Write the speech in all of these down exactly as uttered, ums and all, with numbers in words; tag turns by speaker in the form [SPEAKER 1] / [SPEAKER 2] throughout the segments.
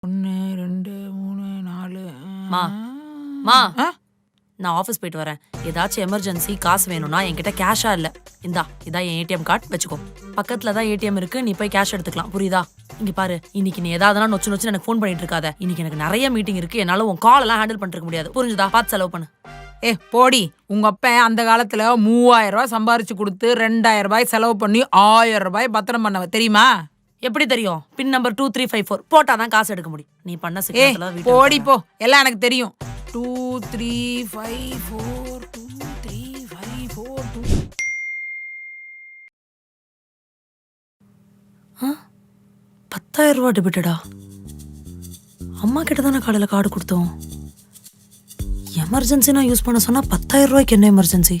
[SPEAKER 1] ஒன்று ரெண்டு மூணு நாலு
[SPEAKER 2] மா மா நான் ஆஃபீஸ் போயிட்டு வரேன். ஏதாச்சும் எமர்ஜென்சி காசு வேணும்னா என்கிட்ட கேஷா இல்லை. இந்தா இதான் என் ஏடிஎம் கார்டு வச்சுக்கோ. பக்கத்துல தான் ஏடிஎம் இருக்கு, நீ போய் கேஷ் எடுத்துக்கலாம். புரியுதா? இங்க பாரு, இன்னைக்கு நீ ஏதாவதுனா நொச்சு நொச்சு எனக்கு ஃபோன் பண்ணிட்டு இருக்காத. இன்னைக்கு எனக்கு நிறைய மீட்டிங் இருக்கு, என்னால உன் கால் எல்லாம் ஹேண்டில் பண்ணிருக்க முடியாது. புரிஞ்சுதா? பார்த்து செலவு பண்ணு.
[SPEAKER 1] ஏ போடி, உங்க அப்பா அந்த காலத்துல மூவாயிரம் ரூபாய் சம்பாரிச்சு கொடுத்து ரெண்டாயிரம் ரூபாய் செலவு பண்ணி ஆயிரம் ரூபாய் பத்திரம் பண்ணவ தெரியுமா?
[SPEAKER 2] எப்படி தெரியும்? Pin number two three five four போட்டாதான் காசு எடுக்க முடியும். நீ பண்ண
[SPEAKER 1] ஏ
[SPEAKER 2] சிக்கல
[SPEAKER 1] போடி போ, எல்லாம் எனக்கு தெரியும். Two three five four two three five four two
[SPEAKER 2] பத்தாயிரம் ரூபா டெபிட்டடா. அம்மா கிட்ட தானே காலையில கார்டு கொடுத்தோம். எமர்ஜென்சி நான் யூஸ் பண்ண சொன்னா பத்தாயிரம் ரூபாய்க்கு என்ன எமர்ஜென்சி?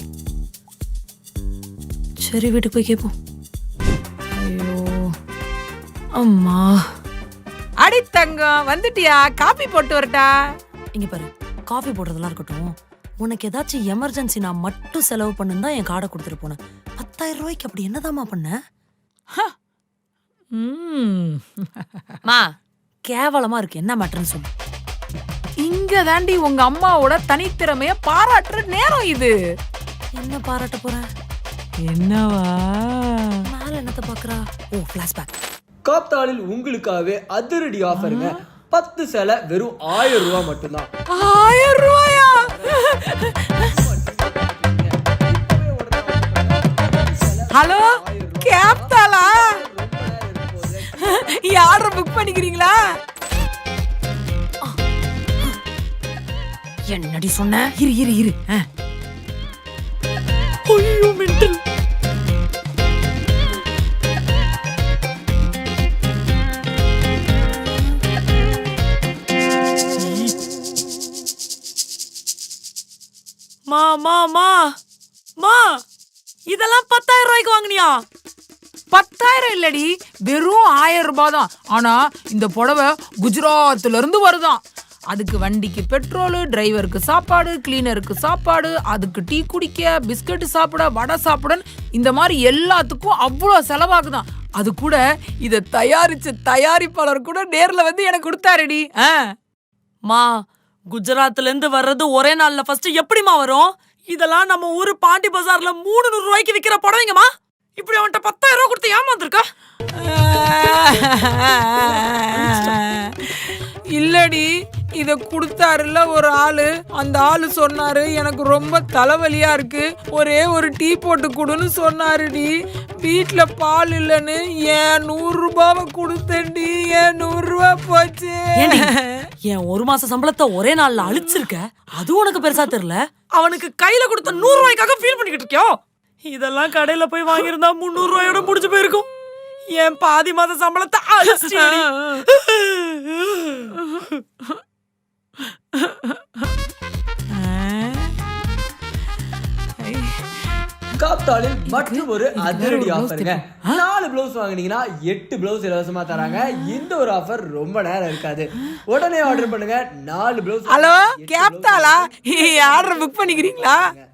[SPEAKER 2] சரி, வீட்டுக்கு போய் கேட்போம். ஐயோ அம்மா.
[SPEAKER 1] அடி தங்கம், வந்துட்டியா? காபி போட்டு வரட்டா?
[SPEAKER 2] இங்க பாரு, காஃபி போடுறதெல்லாம் இருக்கட்டும். உனக்கு ஏதாச்சும் எமர்ஜென்சி நான் மட்டும் செலவு பண்ணுன்னு தான் என் கார்டை கொடுத்துட்டு போனேன். பத்தாயிரம் ரூபாய்க்கு அப்படி என்னதாம்மா பண்ண? மா கேவலமா இருக்கு. என்ன மேட்டர்னு சொல்லு.
[SPEAKER 1] இங்க தாண்டி உங்க அம்மாவோட தனித்திறமைய பாராட்டுற நேரம் இது.
[SPEAKER 2] என்ன பாராட்ட போறேன்?
[SPEAKER 1] என்னவா?
[SPEAKER 2] மேல என்னத்த பாக்குறா? ஓ, பிளாஷ்பேக்.
[SPEAKER 3] காப்தாலில் உங்களுக்காகவே அதிரடி ஆஃபருங்க. பத்து சேலை வெறும் ஆயிரம் ரூபாய் மட்டும்தான்.
[SPEAKER 1] ஆயிரம் ரூபாயா? ஹலோ, கேப்தாலா? ஆர்டர் புக் பண்ணிக்கிறீங்களா?
[SPEAKER 2] என்னடி சொன்ன?
[SPEAKER 1] இரு இரு இரு.
[SPEAKER 2] ஐயோ மெண்டல். மா மா மா மா இதெல்லாம் பத்தாயிரம் ரூபாய்க்கு வாங்கினியா?
[SPEAKER 1] பத்தாயிரம் இல்லடி, வெறும் ஆயிரம் ரூபாய் தான். ஆனா இந்த புடவை குஜராத்ல இருந்து வருதான். அதுக்கு வண்டிக்கு பெட்ரோலு, டிரைவருக்கு சாப்பாடு, கிளீனருக்கு சாப்பாடு, அதுக்கு டீ குடிக்க, பிஸ்கட் சாப்பிட, வடை சாப்பிட, இந்த மாதிரி எல்லாத்துக்கும் அவ்வளோ செலவாகுதான். அது கூட இதை தயாரிச்ச தயாரிப்பாளர் கூட நேர்ல வந்து எனக்கு கொடுத்தாருடி.
[SPEAKER 2] மா, குஜராத்ல இருந்து வர்றது ஒரே நாள்ல ஃபர்ஸ்ட் எப்படிமா வரும்? இதெல்லாம் நம்ம ஊரு பாண்டி பஜார்ல மூணு நூறு ரூபாய்க்கு விக்கிற புடவைங்கம்மா. இப்படி அவன்கிட்ட பத்தாயிரம் ரூபாய் கொடுத்து ஏமாந்துருக்கா?
[SPEAKER 1] இல்லடி, இத கொடுத்தாருல ஒரு ஆளு. அந்த ஆளு சொன்னாரு, எனக்கு ரொம்ப தலைவலியா இருக்கு, ஒரே ஒரு டீ போட்டு கொடுன்னு சொன்னாருடி. வீட்டுல பால் இல்லன்னு ஏன் நூறு ரூபாவை கொடுத்தேன்டி. ஏன் நூறு ரூபாய் போச்சு.
[SPEAKER 2] என் ஒரு மாச சம்பளத்தை ஒரே நாள்ல அழிச்சிருக்க, அது உனக்கு பெருசா தெரியல. அவனுக்கு கையில கொடுத்த நூறு ரூபாய்க்காக ஃபீல் பண்ணிக்கிட்டு இருக்கியோ? இதெல்லாம் கடையில போய் வாங்கியிருந்தா முன்னூறு ரூபாயோட முடிஞ்சு போயிருக்கும். என் பாதி மாச சம்பளத்தை அழிச்சிட்டியடி.
[SPEAKER 3] காப்தாலில் மற்றும் ஒரு அதிரடி ஆஃபருங்க. நாலு பிளவுஸ் வாங்கினீங்கன்னா எட்டு பிளவுஸ் இலவசமா தராங்க. இந்த ஒரு ஆஃபர் ரொம்ப நேரம் இருக்காது. உடனே ஆர்டர் பண்ணுங்க. நாலு பிளவுஸ்.
[SPEAKER 1] ஹலோ, கேப்தாலா? ஆர்டர் புக் பண்ணிக்கிறீங்களா?